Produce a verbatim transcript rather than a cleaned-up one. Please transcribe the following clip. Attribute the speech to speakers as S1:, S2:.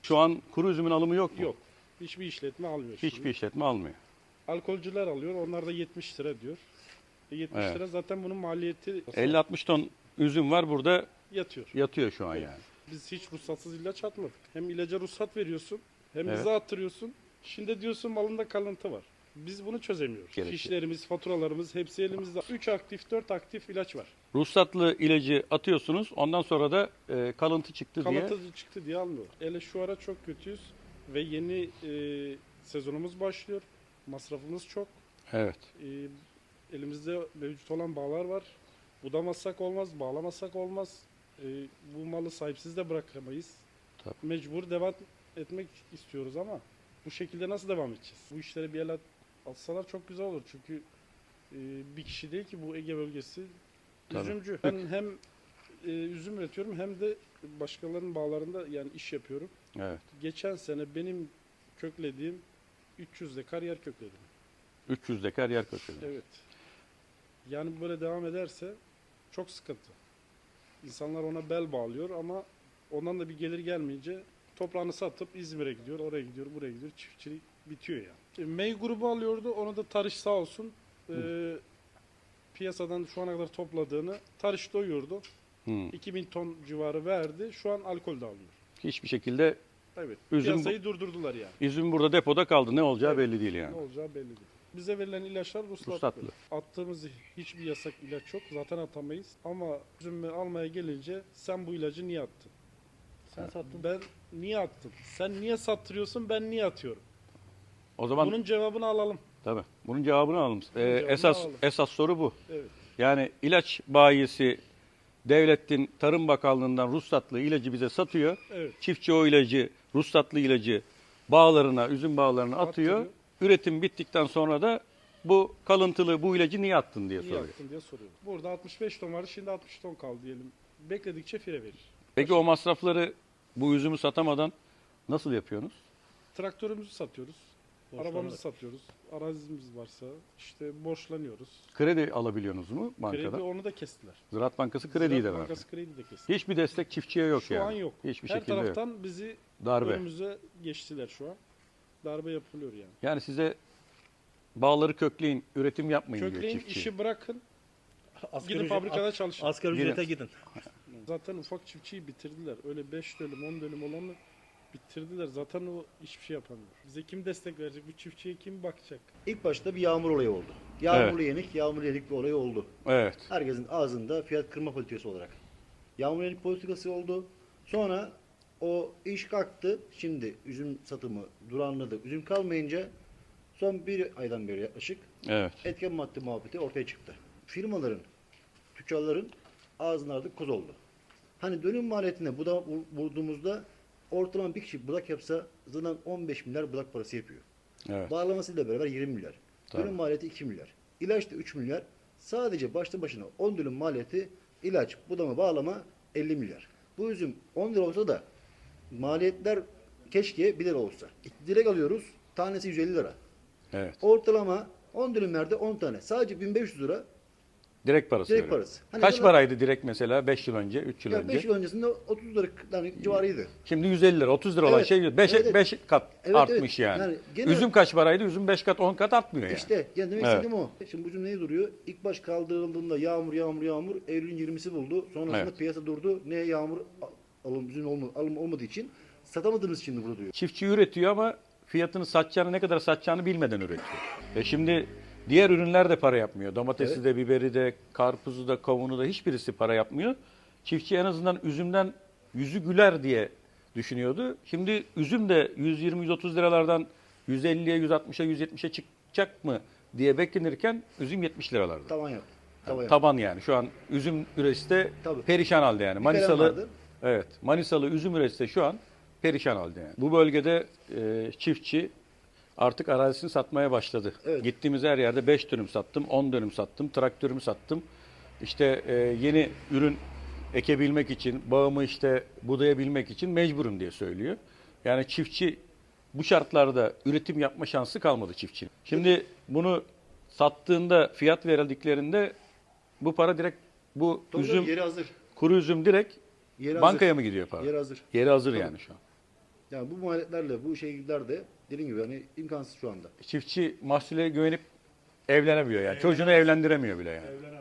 S1: Şu an kuru üzümün alımı yok mu?
S2: Yok. Hiçbir işletme almıyor.
S1: Hiçbir
S2: şimdi.
S1: işletme almıyor.
S2: Alkolcüler alıyor. Onlar da yetmiş lira diyor. E yetmiş
S1: Evet.
S2: lira zaten bunun maliyeti
S1: elli altmış ton üzüm var burada,
S2: yatıyor.
S1: yatıyor şu an
S2: Evet.
S1: yani.
S2: Biz hiç ruhsatsız ilaç atmadık. Hem ilaca ruhsat veriyorsun hem
S1: Evet.
S2: bize attırıyorsun. Şimdi diyorsun malında kalıntı var. Biz bunu çözemiyoruz.
S1: Gerekiyor.
S2: Fişlerimiz, faturalarımız hepsi elimizde. üç aktif, dört aktif ilaç var.
S1: Ruhsatlı ilacı atıyorsunuz, ondan sonra da e, kalıntı çıktı diye.
S2: Kalıntı çıktı diye almıyor. Hele şu ara çok kötüyüz ve yeni e, sezonumuz başlıyor. Masrafımız çok.
S1: Evet.
S2: E, elimizde mevcut olan bağlar var. Budamazsak olmaz, bağlamazsak olmaz. E, bu malı sahipsiz de bırakamayız.
S1: Tabii.
S2: Mecbur devam etmek istiyoruz ama bu şekilde nasıl devam edeceğiz? Bu işlere bir el at- atsalar çok güzel olur çünkü e, bir kişi değil ki bu Ege bölgesi
S1: Tabii.
S2: üzümcü. Ben hem e, üzüm üretiyorum hem de başkalarının bağlarında yani iş yapıyorum.
S1: Evet.
S2: Geçen sene benim köklediğim üç yüz dekar yer kökledim.
S1: üç yüz dekar yer kökleri.
S2: Evet. Yani böyle devam ederse çok sıkıntı. İnsanlar ona bel bağlıyor ama ondan da bir gelir gelmeyince toprağını satıp İzmir'e gidiyor, oraya gidiyor, buraya gidiyor. Çiftçilik bitiyor yani. Şimdi Mey grubu alıyordu. Onu da Tarış sağ olsun e, piyasadan şu ana kadar topladığını Tarış doyurdu.
S1: Hı.
S2: iki bin ton civarı verdi. Şu an alkol de alıyor.
S1: Hiçbir şekilde
S2: Evet.
S1: Üzüm bu-
S2: Piyasayı durdurdular yani.
S1: üzüm burada depoda kaldı. Ne olacağı
S2: Evet.
S1: belli değil yani.
S2: Ne olacağı belli değil. Bize verilen ilaçlar ruhsatlı.
S1: Ruhsatlı.
S2: Attığımız hiçbir yasak ilaç yok. Zaten atamayız. Ama üzümü almaya gelince sen bu ilacı niye attın?
S3: Sen sattın.
S2: Ben niye attım? Sen niye sattırıyorsun? Ben niye atıyorum?
S1: O zaman
S2: Bunun cevabını alalım.
S1: tabii. Bunun cevabını alalım. Ee,
S2: cevabını
S1: esas
S2: alalım.
S1: esas soru bu.
S2: Evet.
S1: Yani ilaç bayisi devletin Tarım Bakanlığı'ndan ruhsatlı ilacı bize satıyor.
S2: Evet.
S1: Çiftçi o ilacı, ruhsatlı ilacı bağlarına, üzüm bağlarına atıyor.
S2: Attırıyor.
S1: Üretim bittikten sonra da bu kalıntılı bu ilacı niye attın diye
S2: Niye
S1: soruyor.
S2: attın diye soruyor. Burada altmış beş ton vardı. Şimdi altmış ton kaldı diyelim. Bekledikçe fire verir.
S1: Peki o masrafları bu üzümü satamadan nasıl yapıyorsunuz?
S2: Traktörümüzü satıyoruz.
S3: Borçlanarak.
S2: Arabamızı satıyoruz. Arazimiz varsa işte borçlanıyoruz.
S1: Kredi alabiliyorsunuz mu bankadan?
S2: Kredi onu da kestiler.
S1: Ziraat Bankası krediyi de
S2: Ziraat
S1: verdi.
S2: Bankası kredi de kesti.
S1: Hiçbir destek çiftçiye yok
S2: Şu
S1: yani.
S2: an yok.
S1: Hiçbir
S2: Her
S1: şekilde yok.
S2: taraftan bizi
S1: Darbe.
S2: önümüze geçtiler şu an. Darbe yapılıyor yani.
S1: Yani size bağları kökleyin, üretim yapmayın diyor
S2: Kökleyin,
S1: çiftçi.
S2: işi bırakın.
S3: Asgari
S2: Gidin
S3: ücret-
S2: fabrikada çalışın.
S3: Asgari
S1: Gidin.
S3: ücrete gidin.
S2: Zaten ufak çiftçiyi bitirdiler. Öyle beş dönüm, on dönüm olanı bitirdiler. Zaten o hiçbir şey yapamıyor. Bize kim destek verecek? Bu çiftçiye kim bakacak?
S4: İlk başta bir yağmur olayı oldu. Yağmurlu yenik, yağmur yedik bir olay oldu.
S1: Evet.
S4: Herkesin ağzında fiyat kırma politikası olarak. Yağmur yenik politikası oldu. Sonra o iş kalktı. Şimdi üzüm satımı duranladı. Üzüm kalmayınca son bir aydan beri yaklaşık
S1: Evet.
S4: etken madde muhabbeti ortaya çıktı. Firmaların, tüccarların ağzının artık koz oldu. Hani dönüm maliyetine budak vurduğumuzda ortalama bir kişi budak yapsa zaten on beş milyar budak parası yapıyor.
S1: Evet.
S4: Bağlamasıyla beraber yirmi milyar.
S1: Tabii.
S4: Dönüm maliyeti iki milyar. İlaç da üç milyar. Sadece başlı başına on dönüm maliyeti ilaç, budama, bağlama elli milyar. Bu üzüm on lira olsa da maliyetler keşke bir lira olsa. Direkt alıyoruz. Tanesi yüz elli lira.
S1: Evet.
S4: Ortalama on dönümlerde on tane. Sadece bin beş yüz lira
S1: Direkt parası.
S4: direkt
S1: veriyor.
S4: parası. Hani
S1: Kaç
S4: sana-
S1: paraydı direkt mesela beş yıl önce, üç yıl
S4: Ya
S1: önce?
S4: beş yıl öncesinde otuz lira yani civarıydı.
S1: Şimdi yüz elli lira, otuz lira olan
S4: Evet.
S1: şey beş
S4: Evet, evet.
S1: kat
S4: Evet,
S1: artmış
S4: evet.
S1: yani.
S4: Yani gene-
S1: Üzüm kaç paraydı? Üzüm beş kat, on kat artmıyor yani.
S4: İşte yani demek
S1: Evet.
S4: istediğim o. Şimdi bu cümle duruyor? İlk baş kaldırıldığında yağmur yağmur yağmur Eylül'ün yirmisi buldu. Sonrasında
S1: Evet.
S4: piyasa durdu. Ne yağmur alım üzüm olma, alım olmadığı için satamadığımız için burada diyor.
S1: Çiftçi üretiyor ama fiyatını satacağını, ne kadar satacağını bilmeden üretiyor. E şimdi diğer ürünler de para yapmıyor. Domatesi
S4: Evet.
S1: de, biberi de, karpuzu da, kavunu da hiçbirisi para yapmıyor. Çiftçi en azından üzümden yüzü güler diye düşünüyordu. Şimdi üzüm de yüz yirmi yüz otuz liralardan yüz elliye, yüz altmışa, yüz yetmişe çıkacak mı diye beklenirken üzüm yetmiş liralarda.
S4: Tavan yaptı. Tavan yaptı.
S1: Taban yani. Şu an üzüm üretisi de
S4: Tabii.
S1: perişan halde yani.
S4: Bir kalem
S1: Manisalı
S4: vardı.
S1: evet. Manisalı üzüm üretisi de şu an perişan halde yani. Bu bölgede e, çiftçi artık arazisini satmaya başladı.
S4: Evet.
S1: Gittiğimiz her yerde beş dönüm sattım, on dönüm sattım, traktörümü sattım. İşte e, yeni ürün ekebilmek için, bağımı işte budayabilmek için mecburum diye söylüyor. Yani çiftçi bu şartlarda üretim yapma şansı kalmadı çiftçinin. Şimdi bunu sattığında, fiyat verildiklerinde bu para direkt bu
S4: Tabii
S1: üzüm,
S4: yeri hazır.
S1: kuru üzüm direkt
S4: Yeri
S1: bankaya
S4: hazır.
S1: mı gidiyor para?
S4: Yeri hazır.
S1: Yeri hazır
S4: Tabii.
S1: yani şu an.
S4: Yani bu maliyetlerle bu şeyler de dediğim gibi hani imkansız şu anda.
S1: Çiftçi mahsule güvenip evlenemiyor yani. Çocuğunu evlendiremiyor bile yani.